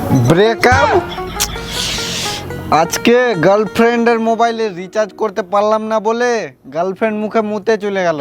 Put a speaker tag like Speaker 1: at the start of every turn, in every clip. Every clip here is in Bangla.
Speaker 1: ব্রেকআপ? আজকে গার্লফ্রেন্ডের মোবাইলে রিচার্জ করতে পারলাম না বলে গার্লফ্রেন্ড মুখে মুতে চলে গেল।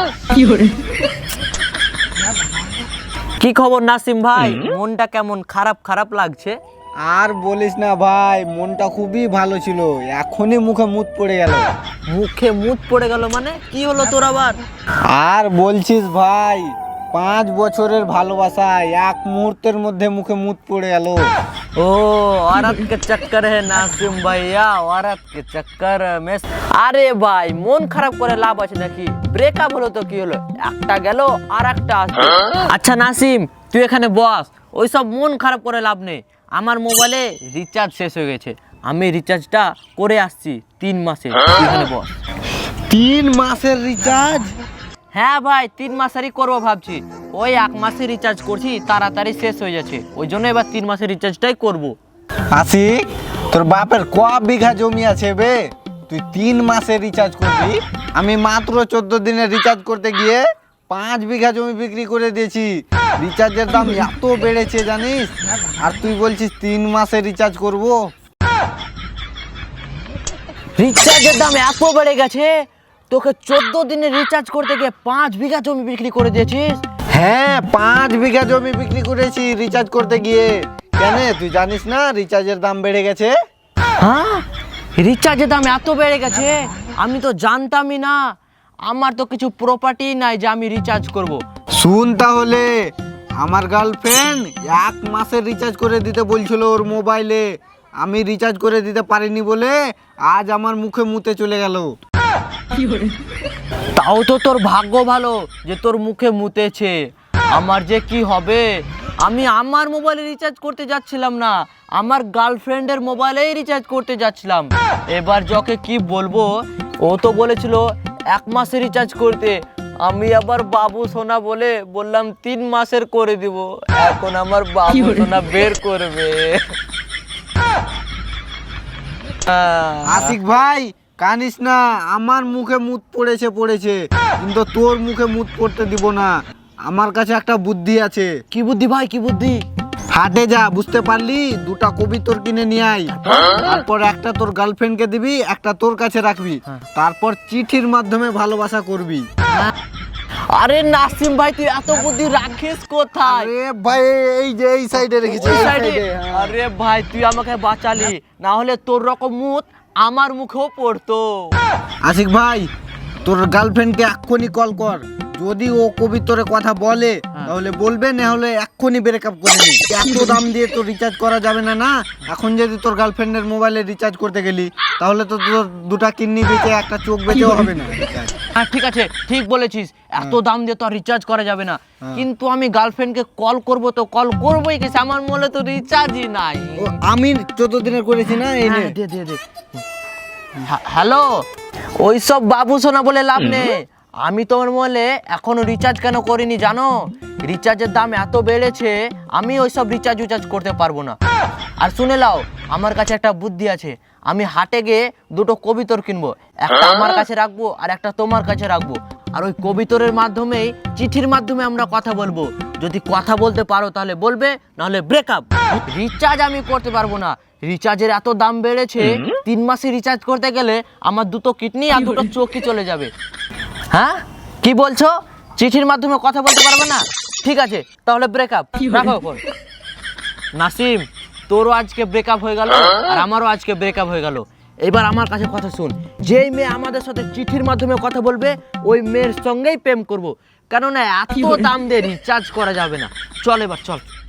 Speaker 2: কি খবর নাসিম ভাই? মনটা কেমন খারাপ খারাপ লাগছে?
Speaker 1: আর বলিস না ভাই, মনটা খুবই ভালো ছিল, এখনই মুখে মুত পড়ে গেল।
Speaker 2: মুখে মুত পড়ে গেল মানে কি হলো তোর আবার?
Speaker 1: আর বলছিস ভাই, 5 বছরের ভালোবাসা এক মুহূর্তের মধ্যে মুখে মুত পড়ে গেল।
Speaker 2: ओ औरत के चक्कर है नासिम भैया, औरत के चक्कर में। আরে ভাই মন খারাপ করে লাভ আছে নাকি? ব্রেকআপ হলো তো কি হলো, একটা গেল আর একটা আসবে। আচ্ছা নাসিম তুই এখানে বস, ওইসব মন খারাপ করে লাভ নেই। আমার মোবাইলে রিচার্জ শেষ হয়ে গেছে, আমি রিচার্জটা করে আসছি 3 মাসে। তুই এখানে বস।
Speaker 1: 3 মাসের রিচার্জ?
Speaker 2: হ্যাঁ ভাই 3 মাসেরই করবো ভাবছি। ওই 1 মাসে রিচার্জ করছি, তাড়াতাড়ি শেষ হয়ে যাচ্ছে, ওই জন্য এবার 3 মাসের রিচার্জটাই করবো।
Speaker 1: আশিক, তোর বাপের ক বিঘা জমি আছে বে, তুই 3 মাসে রিচার্জ করবি? আমি মাত্র 14 দিনে রিচার্জ করতে গিয়ে 5 বিঘা জমি বিক্রি করে দিয়েছি। রিচার্জের দাম এত বেড়েছে জানিস, আর তুই বলছিস 3 মাসে রিচার্জ করব?
Speaker 2: রিচার্জের দাম এত বেড়ে গেছে, তোকে 14 দিনে রিচার্জ করতে গিয়ে 5 বিঘা জমি বিক্রি করে দিয়েছিস?
Speaker 1: হ্যাঁ, 5 বিঘা জমি বিক্রি করেছি রিচার্জ করতে গিয়ে। কেন, তুই জানিস না রিচার্জের দাম বেড়ে গেছে?
Speaker 2: হ্যাঁ রিচার্জের দাম এত বেড়ে গেছে, আমি তো জানতামই না। আমার তো কিছু প্রপার্টি নাই যে আমি রিচার্জ করব।
Speaker 1: শুন তাহলে, আমার গার্লফ্রেন্ড 1 মাসের রিচার্জ করে দিতে বলছিল ওর মোবাইলে, আমি রিচার্জ করে দিতে পারিনি বলে আজ আমার মুখে মুতে চলে গেল।
Speaker 2: তাও তো তোর ভাগ্য ভালো যে তোর মুখে মুতেছে। আমার যে কি হবে, আমি আমার মোবাইলে রিচার্জ করতে যাচ্ছিলাম না, আমার গার্লফ্রেন্ডের মোবাইলেই রিচার্জ করতে যাচ্ছিলাম। এবার যাকে কি বলবো, ও তো বলেছিল 1 মাসে রিচার্জ করতে, আমি আবার বাবু সোনা বলে বললাম 3 মাসের করে দিব। এখন আমার বাবু সোনা বের করবে।
Speaker 1: আশিক ভাই কানিস না, আমার মুখে মুত পড়েছে, কিন্তু তোর মুখে মুত পড়তে দিব না। আমার কাছে একটা বুদ্ধি আছে।
Speaker 2: কি বুদ্ধি ভাই, কি বুদ্ধি?
Speaker 1: হাটে যা, বুঝতে পারলি, 2টা কবিতর কিনে নিয়ে আয়। তারপর একটা তোর গার্লফ্রেন্ডকে দিবি, একটা তোর কাছে রাখবি, তারপর চিঠির মাধ্যমে ভালোবাসা করবি।
Speaker 2: আরে নাসিম ভাই তুই এত বুদ্ধি রাখিস কোথায়?
Speaker 1: আরে ভাই এই যে এই সাইডে রেখেছি,
Speaker 2: ওই
Speaker 1: এই
Speaker 2: সাইডে?
Speaker 1: সাইডে, হ্যাঁ।
Speaker 2: আরে ভাই তুই আমাকে বাঁচালি, না হলে তোর রকম মুত আমার মুখেও পড়তো।
Speaker 1: আশিক ভাই, তোর গার্লফ্রেন্ডকে এক্ষুনি কল কর, যদি ও কবিতরে কথা বলে তাহলে বলবে, না হলে এক্ষুনি ব্রেকআপ করে নি। এত দাম দিয়ে তো রিচার্জ করা যাবে না। না, এখন যদি তোর গার্লফ্রেন্ডের মোবাইলে রিচার্জ করতে গেলি তাহলে তো তোর 2টা কিডনি বেঁচে একটা চোখ বেঁচেও হবে না।
Speaker 2: হ্যাঁ ঠিক আছে, ঠিক বলেছিস, এত দাম দিয়ে তো আর রিচার্জ করা যাবে না। কিন্তু আমি গার্লফ্রেন্ডকে কল করব, তো কল করবোই কি, আমার মোবাইলে তো রিচার্জই নাই।
Speaker 1: ও, আমি 14 দিনের করেছি না, এই নে।
Speaker 2: দে দে দে। হ্যালো, ওইসব বাবু সোনা বলে লাভ নেই। আমি তোমার মোবাইলে এখনো রিচার্জ কেন করিনি জানো? রিচার্জের দাম এত বেড়েছে, আমি ওইসব রিচার্জ করতে পারবো না। আর শুনে লাও, আমার কাছে একটা বুদ্ধি আছে। আমি হাটে গিয়ে 2টো কবিতর কিনবো, একটা আমার কাছে রাখবো আর একটা তোমার কাছে রাখবো। আর ওই কবিতরের মাধ্যমেই, চিঠির মাধ্যমে আমরা কথা বলবো। যদি কথা বলতে পারো তাহলে বলবে, নাহলে ব্রেকআপ। রিচার্জ আমি করতে পারবো না, রিচার্জের এত দাম বেড়েছে। 3 মাসে রিচার্জ করতে গেলে আমার 2টো কিডনি আর 2টো চোখই চলে যাবে। হ্যাঁ কি বলছো? চিঠির মাধ্যমে কথা বলতে পারবে না? ঠিক আছে তাহলে ব্রেকআপ, রাখো ফোন। নাসিম, তোরও আজকে ব্রেকআপ হয়ে গেল আর আমারও আজকে ব্রেকআপ হয়ে গেল। এবার আমার কাছে কথা শুন, যেই মেয়ে আমাদের সাথে চিঠির মাধ্যমে কথা বলবে ওই মেয়ের সঙ্গেই প্রেম করব, কেননা এত দাম দিয়ে রিচার্জ করা যাবে না। চল এবার চল।